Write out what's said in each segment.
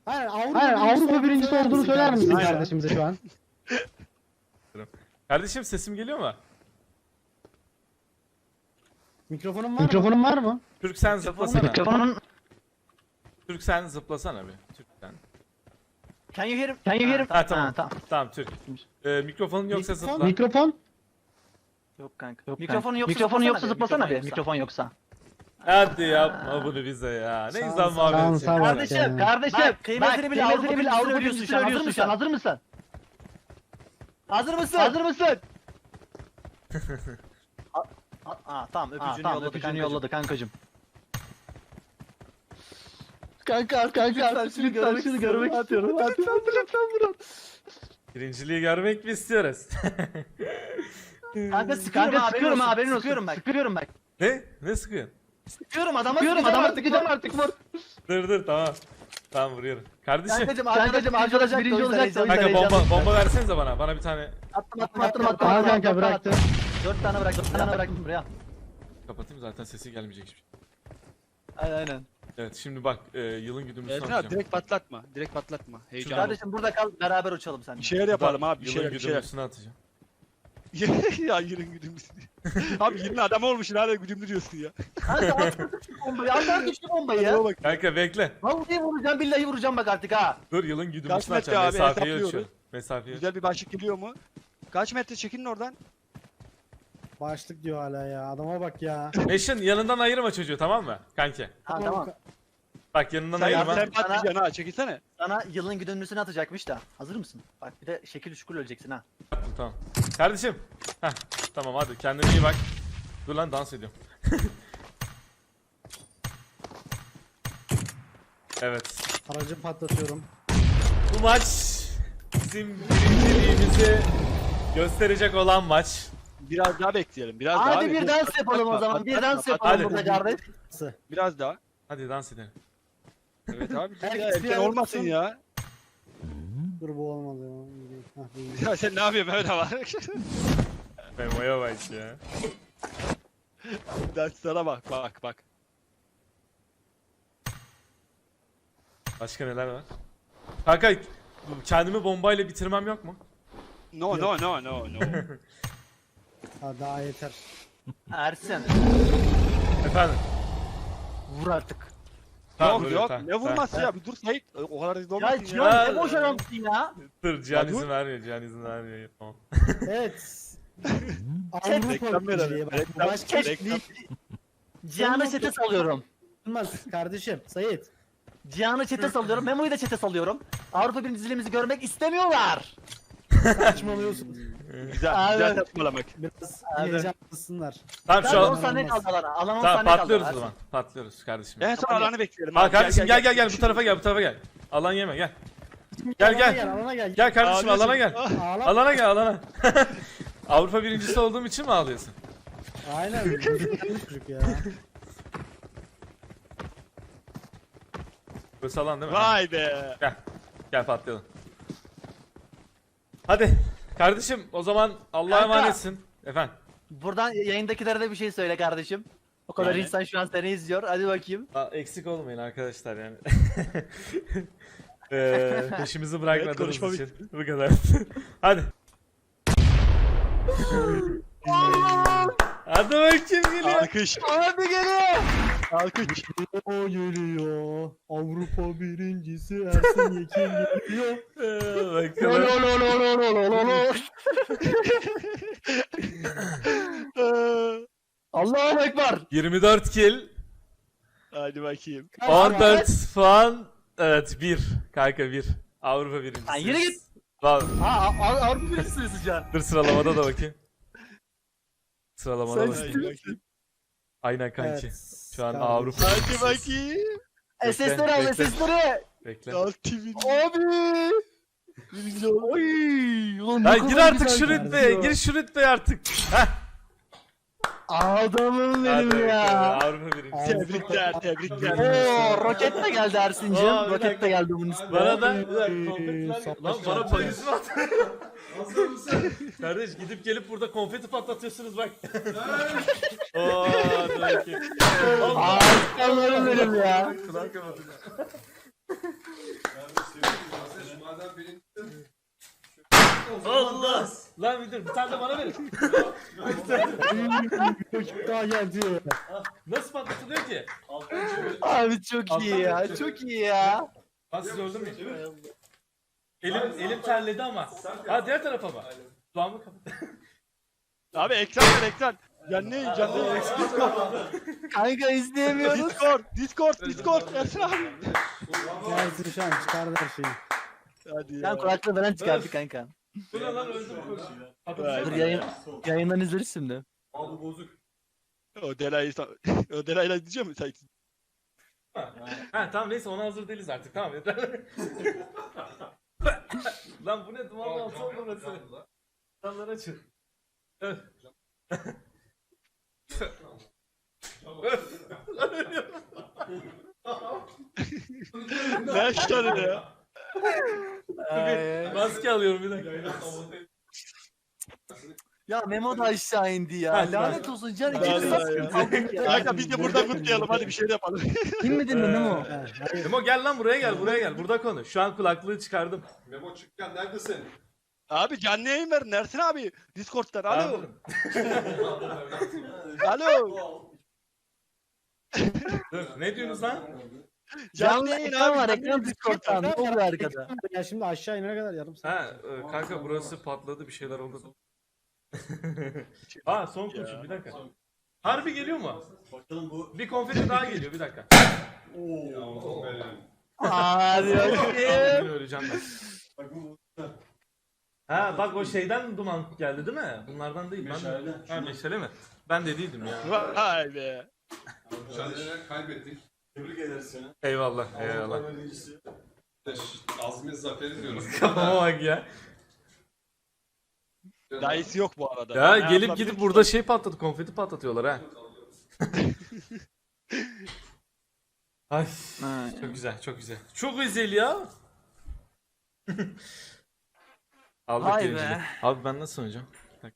Hayır, Avrupa birincisi olduğunu söyler misin kardeşimize şu an? Kardeşim sesim geliyor mu? Mikrofonun var mı? Türk sen zıplasana. Mikrofonun... Türk sen zıplasana bir. Türk sen. Can you hear? Ha tamam. tamam. Tamam Türk. Mikrofonun yoksa zıpla. Mikrofon? Yok kanka. Mikrofonun yoksa zıplasana bir. Mikrofon yoksa. Hadi yapma bunu bize ya. Ne güzel muhabbet. Şansa bak Kardeşim, ya. Kardeşim, Bak, kıymetini bil, Avrupa bil, birincisi Avrupa övüyorsun birincisi şu an. övüyorsun şu an. Hazır mısın? Hazır mısın? Hazır mısın? Tamam öpücüğünü Tamam, yolladı öpücüğünü kankacığım. yolladı kankacım. Kanka Şunu görmek istiyorum. Hadi lütfen. Birinciliği görmek mi istiyoruz? Kanka Kanka sıkıyorum ha, haberin olsun. Sıkıyorum bak. Sıkıyorum bak. Ne? Ne sıkıyorsun? Sıkıyorum adama Sıkıyorum adama sıkacağım artık vur. Dur tamam. Tamam vuruyorum. Kardeşim. Kankacım arkadaş birinci olacaktı. Kanka bomba versenize bana. Bana bir tane Attım. Al kanka bıraktım. 4 tane bıraktım buraya. kapatayım zaten sesi gelmeyecek hiçbir şey. Aynen. Evet şimdi bak yılın güdümlüsünü Ersin abi atacağım. direkt patlatma. Direkt patlatma. Heyecan. Kardeşim burada kal beraber uçalım sen. Bir şeyler yapalım abi. Bir Yılın şeyler. güdümlüsünü atacağım. Ya yılın güdümlü. Abi 20 adam olmuşsun hala güdümlü diyorsun ya. Kanka at bombayı. At düştü bombayı ya. Adama bak. Kanka bekle. Vallahi vuracağım billahi vuracağım bak artık ha. Dur yılın Kaç güdümlüsünü metre atacağım. abi, Mesafeyi hesaplıyoruz. ölçüyorum. Mesafeyi Güzel bir başlık geliyor mu? Kaç metre çekinin oradan? Başlık diyor hala ya. Adama bak ya. Eşin yanından ayırma çocuğu tamam mı? Kanki. Ha tamam. Bak yanından Sen, ayırma. sen patlayacaksın ha çekilsene. Sana yılın güdümlüsünü atacakmış da. Hazır mısın? Bak bir de şekil şukul öleceksin ha. Tamam. Kardeşim. Heh, tamam hadi kendine iyi bak. Dur lan dans ediyorum. Evet. Aracı patlatıyorum. Bu maç bizim birinciliğimizi gösterecek olan maç. Biraz daha bekleyelim. Biraz daha. Hadi abi. bir dans yapalım o zaman. Bir dans yapalım Hadi. burada kardeş. Biraz daha. Hadi dans edelim. Evet abi. Herkes ya, bir erken yana olmasın tutsun. ya. Dur bu olmadı ya. Hah, iyi. Ya sen ne yapıyorsun Mehmet abi? Memo'ya bak ya. Danslara bak. Başka neler var? Kanka kendimi bombayla bitirmem yok mu? No. Ha, daha yeter. Ersin Efendim. vur artık. Tamam, Yok dur, yok. tamam, Ne vurması ya? Bir dur Sait. O kadar hızlı Ya olmasın ya. Cihan ne boş adamsın ya. Dur Cihan Ya dur. izin vermiyor. Cihan izin vermiyor. Tamam. Evet. Reklam Avrupa verelim, birinciliği bak. reklam. Başka Reklam. Cihan'ı çete salıyorum. olmaz kardeşim. Sayit. Cihan'ı çete salıyorum. Memo'yu da çete salıyorum. Avrupa birinciliğimizi görmek istemiyorlar. Saçmalıyorsun. Güzel saçmalamak. Biraz Abi. heyecanlısınlar. Tamam Ben şu 10 an. saniye kaldı alana. Alan 10 Tamam saniye kaldı. patlıyoruz o Ersin. zaman. Patlıyoruz kardeşim. En son alanı bekleyelim. Ha abi. kardeşim gel bu tarafa gel. Alan yeme gel. Gel. Alana gel. Gel kardeşim Ağlıyorsun. alana gel. Ağla. Alana gel alana. Avrupa birincisi olduğum için mi ağlıyorsun? Aynen. Güzel çocuk ya. Burası alan değil mi? Vay be. Gel patlayalım. Hadi kardeşim o zaman Allah'a Kanka. emanetsin. Efendim. Buradan yayındakilere de bir şey söyle kardeşim. O kadar Yani. insan şu an seni izliyor. Hadi bakayım. Eksik olmayın arkadaşlar yani. Peşimizi Evet, bırakmadığınız konuşma için. Bu kadar. Hadi. Hadi bakayım geliyor. Alkış. Abi geliyor. Alkış. O geliyor. Avrupa birincisi Ersin Yekin geliyor. Bakalım. Allahu Ekber. 24 kill. Hadi bakayım. 14 puan. Evet 1. Kanka 1. Avrupa birincisi. Lan yürü git. Avrupa birincisiniz şu an. Dur sıralamada da bakayım. Sıralamada Sen bakayım. Hadi bakayım. Aynen kanki. Evet, Şu an kardeşim. Avrupa Hadi birincisiyiz. bakayım. SS'leri al bekle. SS'leri. Bekle. Altı Abi. Oy. Ulan ne Ya kadar gir artık güzel şu kardeşim. rütbeye. Gir şu rütbeye artık. Heh. Adamım Hadi benim ya. bakalım, Avrupa birincisi. Tebrikler. Oo, roket de geldi Ersin'cim. Aa, bir Roket dakika. de geldi bunun üstüne. Bana da lan bana payız mı attı? Kardeş gidip gelip burada konfeti patlatıyorsunuz bak. Oo, hadi bakayım. Aslanlarım benim ya. Kulak kapatın. Lan bir dur, bir tane de bana verin. Daha geldi. Nasıl patlatılıyor ki? Abi çok iyi ya. Çok iyi ya. Ben sizi öldürmeyeyim. Elim terledi ama. Ha diğer tarafa bak. Kulağımı kapat. Abi ekran ver ekran. Canlı yayın. Kanka izleyemiyoruz. Discord. Ersin abi. Gelsin şu an çıkardı her şeyi. Hadi ya. Sen kulaklığı falan çıkardı kanka. Bu ne lan öldüm. Dur yayından izleriz şimdi. Abi bozuk. O Delay'la diyeceğim mi sen? Ha tamam neyse ona hazır değiliz artık tamam yeter. Lan bu ne dumanlı altı oldu burası. Camları açın. Öf. Öf. Lan ölüyorum. Ne yaşları ya? Bir maske alıyorum bir dakika. Ya Memo da aşağı indi ya. Ha, Lanet olsun can Vallahi ikimiz ya. nasıl ya. Kanka biz de buradan kutlayalım hadi bir şey de yapalım. Kim mi dinle Memo? He, hayır. Memo gel lan buraya gel. Burada konuş. Şu an kulaklığı çıkardım. Memo çıkken neredesin? Abi canlı yayın verin Ersin abi. Discord'dan alo. Anladım. Alo. Dur, ne diyorsunuz lan? Canlı yayın ekran abi. var ekran Discord'dan. Ne oluyor arkada? Ya şimdi aşağı inene kadar yarım saat. Ha kanka burası patladı bir şeyler oldu. Ha son kurşun bir dakika. Harbi geliyor mu? Bakalım bu. Bir konfeti daha geliyor bir dakika. Yavrum benim. Hadi bakayım. Yine öleceğim ben. Bak bu. Ha bak o şeyden duman geldi değil mi? Bunlardan değil. Meşale. Ha meşale mi? Ben de değildim ya. Vay be. Mücadele kaybettik. Tebrik ederiz seni. Eyvallah. Avrupa birincisi. Azmi zaferi diyoruz. Kafama bak ya. Dayısı yok bu arada. Ya Ne gelip yapabilir gidip ki? burada şey patladı, konfeti patlatıyorlar ha. Ay çok güzel, çok güzel. Çok güzel ya. Aldık Vay birinciliği. be. Abi ben nasıl oynayacağım? Bak.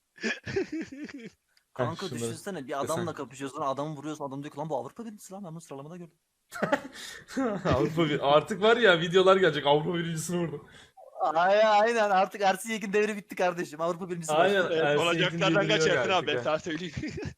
Kanka şunları- düşünsene bir adamla kapışıyorsun adamı vuruyorsun adam diyor ki lan bu Avrupa birincisi lan ben bunu sıralamada gördüm. Avrupa artık var ya videolar gelecek Avrupa birincisini vurdum. Aynen artık Ersin Yekin devri bitti kardeşim Avrupa birincisi var. Aynen. Evet, Ersin olacaklardan Yekin kaç geliyor Ersin abi artık ben ya. sana söyleyeyim.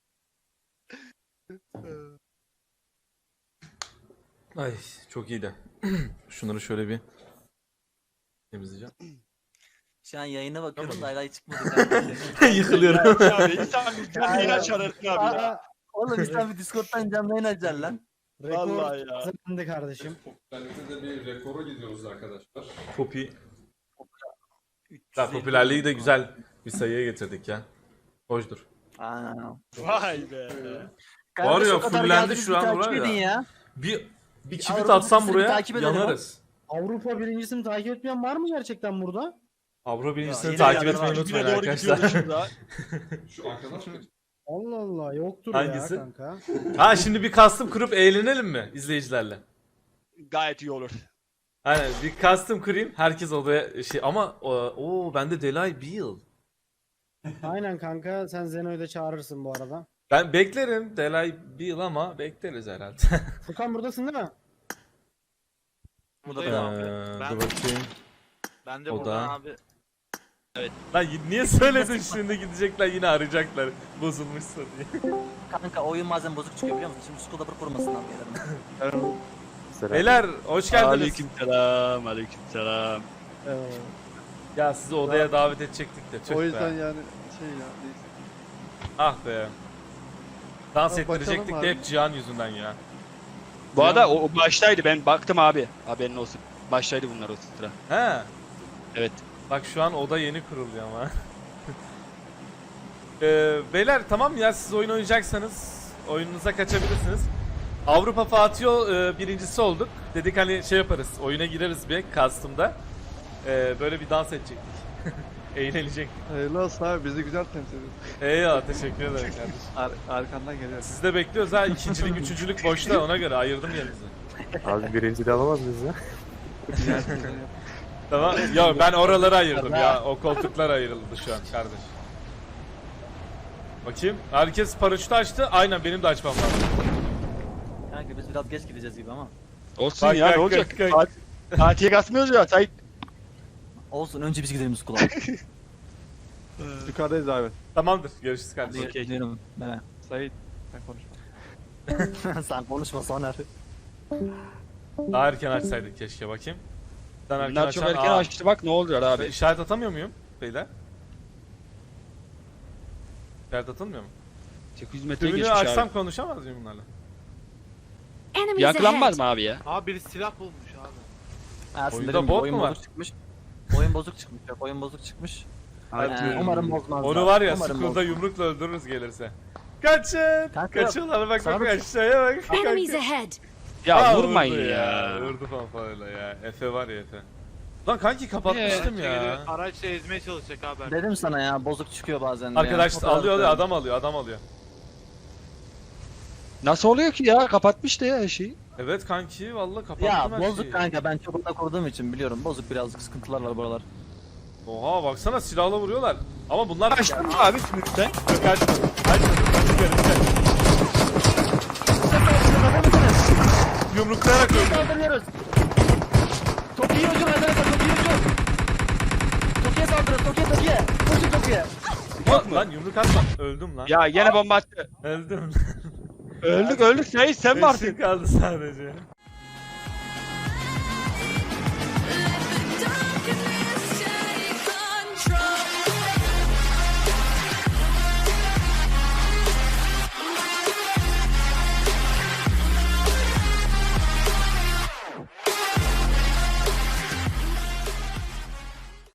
Ay çok iyiydi. Şunları şöyle bir temizleyeceğim. Şu an yayına bakıyorum da Tamam. hala çıkmadı kanka. Yıkılıyorum. abi insan bir canlı yayın açar Ersin abi ya. Aa, Oğlum sen bir Discord'dan canlı yayın açacaksın lan. Vallahi rekor ya. hazırlandı kardeşim. Popülerlikte de bir rekora gidiyoruz arkadaşlar. Popi. 350. Ya popülerliği de güzel bir sayıya getirdik ya. Hoşdur. Aa. Vay be. Var ya, o kadar fullendi geldiniz, şu bir an takip buraya edin ya. ya. Bir kibrit Avrupa atsam birincisini buraya takip edelim yanarız. Avrupa birincisini takip etmeyen var mı gerçekten burada? Avrupa birincisini yine takip yanarız. etmeyi Güne unutmayın doğru arkadaşlar. gidiyoruz şurada. Şu arkadaş mı? Allah Allah yoktur Hangisi? ya kanka. Ha şimdi bir custom kurup eğlenelim mi izleyicilerle? Gayet iyi olur. Aynen bir custom kurayım herkes odaya şey ama o bende Delay Beal. Aynen kanka sen Zeno'yu da çağırırsın bu arada. Ben beklerim Delay Beal ama bekleriz herhalde. Furkan buradasın değil mi? Bu da Buradayım ben. abi. Ben- Dur bakayım. Ben de O buradan da- abi. Lan niye söyledin şimdi gidecekler yine arayacaklar bozulmuşsa diye. Kanka oyun bazen bozuk çıkıyor biliyor musun? Şimdi Skoda kurmasından gelelim. Beyler hoş geldiniz. Aleykümselam, aleykümselam. Ya sizi odaya davet edecektik de tüh O be. yüzden yani şey ya neyse. Ah be. Dans Abi bakalım ettirecektik de abi. hep Cihan yüzünden ya. Bu arada o baştaydı ben baktım abi. Haberin olsun. Baştaydı bunlar o sıra. He. Evet. Bak şu an oda yeni kuruluyor ama. Beyler tamam ya siz oyun oynayacaksanız oyununuza kaçabilirsiniz. Avrupa Fatih birincisi olduk. Dedik hani şey yaparız oyuna gireriz bir custom'da. Böyle bir dans edecektik. Eğlenecek. Hayırlı olsun abi bizi güzel temsil ediyorsun. Eyvallah teşekkür ederim kardeşim. Arkandan geliyoruz. Sizi de bekliyoruz ha. İkincilik, üçüncülük boşta ona göre ayırdım yerinizi. Abi birinci de alamaz mıyız ya? Tamam. Ya ben oraları ayırdım ya. O koltuklar ayrıldı şu an kardeş. Bakayım. Herkes paraşütü açtı. Aynen benim de açmam lazım. Kanka biz biraz geç gideceğiz gibi ama. Olsun Bak, ya bak, ne olacak? bak, bak. Fatih'e kasmıyoruz ya. Sait. Olsun önce biz gidelim Skoda. Yukarıdayız abi. Tamamdır. Görüşürüz kardeşim. Hadi gidiyorum. Ben. Sait. Sen konuşma. Sen konuşma Soner. Daha erken açsaydık keşke bakayım. Sen erken Bunlar çok açan- erken Aa, açtı bak ne oluyor ben abi. işaret atamıyor muyum beyler? İşaret atılmıyor mu? 800 metreye Tümünü geçmiş açsam abi. konuşamaz mıyım bunlarla? Enemies Yankılanmaz ahead. mı abi ya? Abi biri silah bulmuş abi. Aslında Oyunda dediğim gibi bot oyun mu var? bozuk çıkmış. Oyun bozuk çıkmış. Yok oyun bozuk çıkmış. Hadi. Umarım bozmazlar. Onu var ya Umarım Skull'da bozmaz. yumrukla öldürürüz gelirse. Kaçın! Kanka, Kaçıyorlar bak sana bak da- aşağıya bak. Enemies Kanka. ahead. Ya Aa, vurmayın vurdu ya. Vurdu fanfarayla ya. Efe var ya Efe. Lan kanki kapatmıştım ya. Araçla ezmeye çalışacak abi. Dedim sana ya bozuk çıkıyor bazen de Arkadaş ya. O kadar alıyor da- adam alıyor adam alıyor. Nasıl oluyor ki ya? Kapatmış da ya her şeyi. Evet kanki vallahi kapattım Ya her bozuk şeyi. kanka ben çok oda kurduğum için biliyorum. Bozuk birazcık sıkıntılar var buralar. Oha baksana silahla vuruyorlar. Ama bunlar Açtın mı abi sümükte? Yok açmadım. Yumruklayarak öldü. Saldırıyoruz. Toki'ye hücum arkadaşlar Toki'ye hücum. Toki'ye saldırıyoruz Toki'ye. Koşun Toki'ye. Lan yumruk atma. Öldüm lan. Ya gene bomba attı. Öldüm. Öldük Sait sen mi Beşim artık? kaldı sadece.